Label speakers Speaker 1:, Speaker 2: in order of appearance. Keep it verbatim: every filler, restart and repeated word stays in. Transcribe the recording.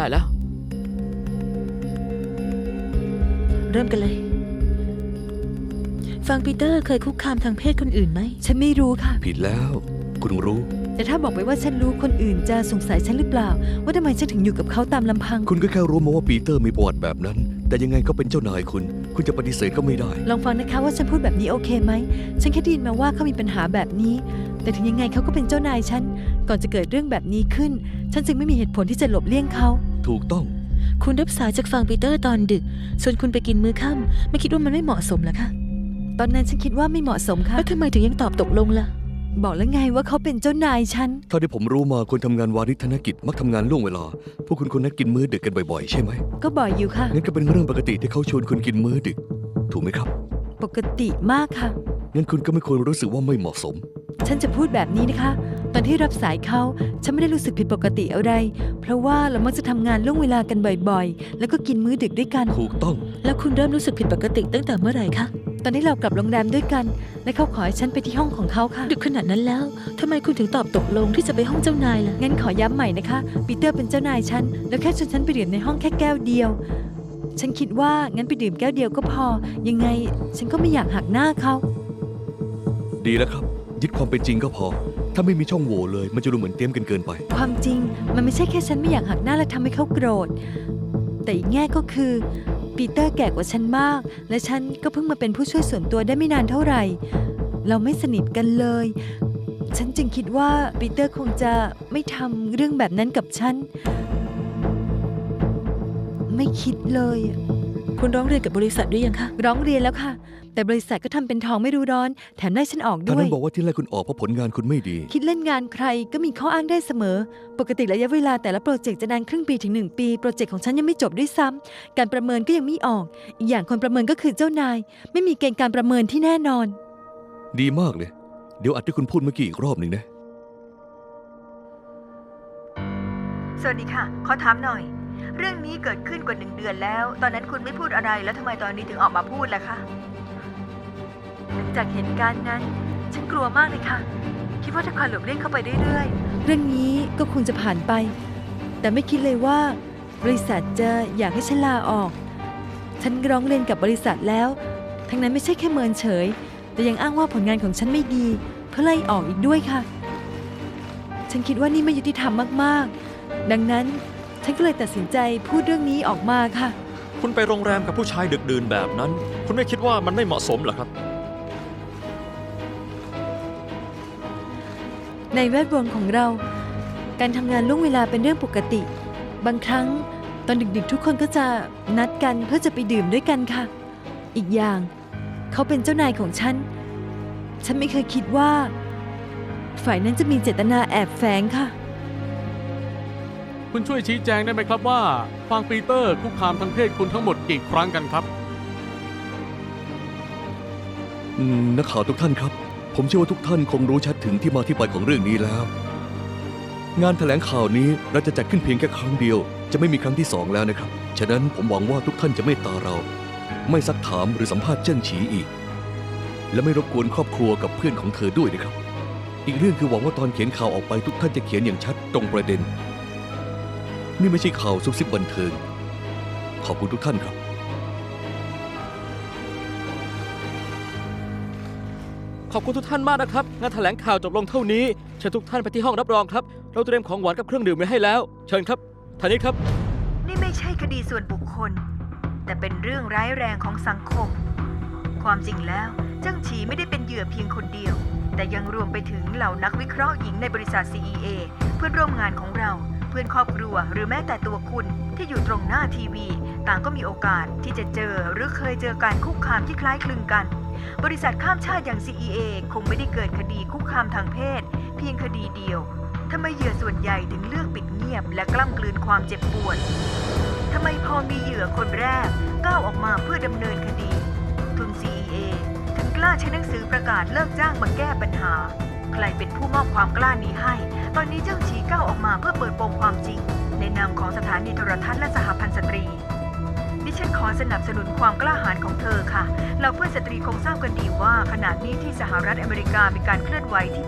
Speaker 1: ได้แล้ว
Speaker 2: เริ่มกันเลยฟังปีเตอร์เคยคุกคามทางเพศคนอื่นไหม
Speaker 3: ฉันไม่รู้ค่ะ
Speaker 4: ผิดแล้วคุณรู้
Speaker 3: แต่ถ้าบอกไปว่าฉันรู้คนอื่นจะสงสัยฉันหรือเปล่าว่าทำไมฉันถึงอยู่กับเขาตามลำพัง
Speaker 4: คุณก็แค่รู้มาว่าปีเตอร์มีประวัติแบบนั้นแต่ยังไงก็เป็นเจ้านายคุณคุณจะปฏิเสธก็ไม่ได้
Speaker 3: ลองฟังนะคะว่าฉันพูดแบบนี้โอเคไหมฉันแค่ได้ยินมาว่าเขามีปัญหาแบบนี้แต่ถึงยังไงเขาก็เป็นเจ้านายฉันก่อนจะเกิดเรื่องแบบนี้ขึ้นฉันจึงไม่มีเหตุผลที่จะหลบเลี่ยงเขา
Speaker 4: ถูกต้อง
Speaker 2: คุณรับสายจากฟังปีเตอร์ตอนดึกส่วนคุณไปกินมื้อค่ำไม่คิดว่ามันไม่เหมาะสมเหรอคะ
Speaker 3: ตอนนั้นฉันคิดว่าไม่เหมาะสมค่ะ
Speaker 2: แล้วทำไมถึงยังตอบตกลงล่ะ
Speaker 3: บอกแล้วไงว่าเขาเป็นเจ้านายฉัน
Speaker 4: เท่าที่ผมรู้มาคนทำงานวาริธนกิจมักทำงานล่วงเวลาพวกคุณคนนั้นกินมื้อดึกกันบ่อยๆใช่ไหม
Speaker 3: ก็บ่อยอยู่ค่ะ
Speaker 4: งั้นก็เป็นเรื่องปกติที่เขาชวนคุณกินมื้อดึกถูกไหมครับ
Speaker 3: ปกติมากค่ะ
Speaker 4: งั้นคุณก็ไม่ควรรู้สึกว่าไม่เหมาะสม
Speaker 3: ฉันจะพูดแบบนี้นะคะตอนที่รับสายเขาฉันไม่ได้รู้สึกผิดปกติอะไรเพราะว่าเรามักจะทำงานล่วงเวลากันบ่อยๆแล้วก็กินมื้อดึกด้วยกัน
Speaker 4: ถูกต้อง
Speaker 2: แล้วคุณเริ่มรู้สึกผิดปกติตั้งแต่เมื่อไหร่คะ
Speaker 3: ตอนที่เรากลับโรงแรมด้วยกันและเขาขอให้ฉันไปที่ห้องของเขาค่ะ
Speaker 2: ดึกขนาดนั้นแล้วทำไมคุณถึงตอบตกลงที่จะไปห้องเจ้านายล่ะ
Speaker 3: งั้นขอย้ำใหม่นะคะปีเตอร์เป็นเจ้านายฉันแล้วแค่ชวนฉันไปดื่มในห้องแค่แก้วเดียวฉันคิดว่างั้นไปดื่มแก้วเดียวก็พอยังไงฉันก็ไม่อยากหักหน้าเขา
Speaker 4: ดีแล้วครับยึดความเป็นจริงก็พอถ้าไม่มีช่องโหว่เลยมันจะดูเหมือนเตรียมกันเกินไป
Speaker 3: ความจริงมันไม่ใช่แค่ฉันไม่อยากหักหน้าและทำให้เขาโกรธแต่อีกแง่ก็คือปีเตอร์แก่กว่าฉันมากและฉันก็เพิ่งมาเป็นผู้ช่วยส่วนตัวได้ไม่นานเท่าไหร่เราไม่สนิทกันเลยฉันจึงคิดว่าปีเตอร์คงจะไม่ทำเรื่องแบบนั้นกับฉันไม่คิดเลย
Speaker 2: คุณร้องเรียนกับบริษัทด้วยยังคะ
Speaker 3: ร้องเรียนแล้วค่ะแต่บริษัทก็ทำเป็นทองไม่รู้ร้อนแถมได้ฉันออกด้วยตอน
Speaker 4: นั้นบอกว่าที่ไล่คุณออกเพราะผลงานคุณไม่ดี
Speaker 3: คิดเล่นงานใครก็มีข้ออ้างได้เสมอปกติระยะเวลาแต่ละโปรเจกต์จะนานครึ่งปีถึงหนึ่งปีโปรเจกต์ของฉันยังไม่จบด้วยซ้ำการประเมินก็ยังไม่ออกอีกอย่างคนประเมินก็คือเจ้านายไม่มีเกณฑ์การประเมินที่แน่นอน
Speaker 4: ดีมากเลยเดี๋ยวอัดที่คุณพูดเมื่อกี้อีกรอบหนึ่งนะ
Speaker 5: สวัสดีค่ะขอถามหน่อยเรื่องนี้เกิดขึ้นกว่าหนึ่งเดือนแล้วตอนนั้นคุณไม่พูดอะไรแล้วทำไมตอนนี้ถึงออกมาพูดล่ะคะ
Speaker 3: หลังจากเหตุการณ์นั้นฉันกลัวมากเลยค่ะคิดว่าถ้าคอยหลบเลี่ยงเข้าไปเรื่อยๆเรื่องนี้ก็คงจะผ่านไปแต่ไม่คิดเลยว่าบริษัทจะอยากให้ฉันลาออกฉันร้องเรียนกับบริษัทแล้วทั้งนั้นไม่ใช่แค่เมินเฉยแต่ยังอ้างว่าผลงานของฉันไม่ดีเพื่อไล่ออกอีกด้วยค่ะฉันคิดว่านี่ไม่ยุติธรรมมากๆดังนั้นฉันก็เลยตัดสินใจพูดเรื่องนี้ออกมาค่ะ
Speaker 6: คุณไปโรงแรมกับผู้ชายดึกดื่นแบบนั้นคุณไม่คิดว่ามันไม่เหมาะสมเหรอครับ
Speaker 3: ในแวดวงของเราการทำงานล่วงเวลาเป็นเรื่องปกติบางครั้งตอนดึกๆทุกคนก็จะนัดกันเพื่อจะไปดื่มด้วยกันค่ะอีกอย่างเขาเป็นเจ้านายของฉันฉันไม่เคยคิดว่าฝ่ายนั้นจะมีเจตนาแอบแฝงค่ะ
Speaker 7: คุณช่วยชี้แจงได้ไหมครับว่าฟังปีเตอร์คุกคามทางเพศคุณทั้งหมดกี่ครั้งกันครับ
Speaker 4: นักข่าวทุกท่านครับผมเชื่อว่าทุกท่านคงรู้ชัดถึงที่มาที่ไปของเรื่องนี้แล้วงานแถลงข่าวนี้เราจะจัดขึ้นเพียงแค่ครั้งเดียวจะไม่มีครั้งที่สองแล้วนะครับฉะนั้นผมหวังว่าทุกท่านจะเมตตาเราไม่ซักถามหรือสัมภาษณ์เจิ้งฉีอีกและไม่รบกวนครอบครัวกับเพื่อนของเธอด้วยนะครับอีกเรื่องคือหวังว่าตอนเขียนข่าวออกไปทุกท่านจะเขียนอย่างชัดตรงประเด็นนี่ไม่ใช่ข่าวซุบซิบบันเทิงขอบคุณทุกท่านครับ
Speaker 6: ขอบคุณทุกท่านมากนะครับงานแถลงข่าวจบลงเท่านี้เชิญทุกท่านไปที่ห้องรับรองครับเราเตรียมของหวานกับเครื่องดื่มไว้ให้แล้วเชิญครับท่านนี้ครับ
Speaker 5: นี่ไม่ใช่คดีส่วนบุคคลแต่เป็นเรื่องร้ายแรงของสังคมความจริงแล้วเจิ้งฉีไม่ได้เป็นเหยื่อเพียงคนเดียวแต่ยังรวมไปถึงเหล่านักวิเคราะห์หญิงในบริษัท ซี อี เอ เพื่อนร่วมงานของเราเพื่อนครอบครัวหรือแม้แต่ตัวคุณที่อยู่ตรงหน้าทีวีต่างก็มีโอกาสที่จะเจอหรือเคยเจอการคุกคามที่คล้ายคลึงกันบริษัทข้ามชาติอย่าง ซี อี เอ คงไม่ได้เกิดคดีคุกคามทางเพศเพียงคดีเดียวทำไมเหยื่อส่วนใหญ่ถึงเลือกปิดเงียบและกล้ำกลืนความเจ็บปวดทำไมพอมีเหยื่อคนแรกก้าวออกมาเพื่อดำเนินคดีทุน ซี อี เอ ถึงกล้าใช้หนังสือประกาศเลิกจ้างมาแก้ปัญหาใครเป็นผู้มอบความกล้านี้ให้ตอนนี้เจ้าฉีก้าวออกมาเพื่อเปิดโปงความจริงในนามของสถานีโทรทัศน์และสหพันธ์สตรีดิฉันขอสนับสนุนความกล้าหาญของเธอค่ะเราเพื่อนสตรีคงทราบกันดีว่าขณะนี้ที่สหรัฐอเมริกามีการเคลื่อนไหวที่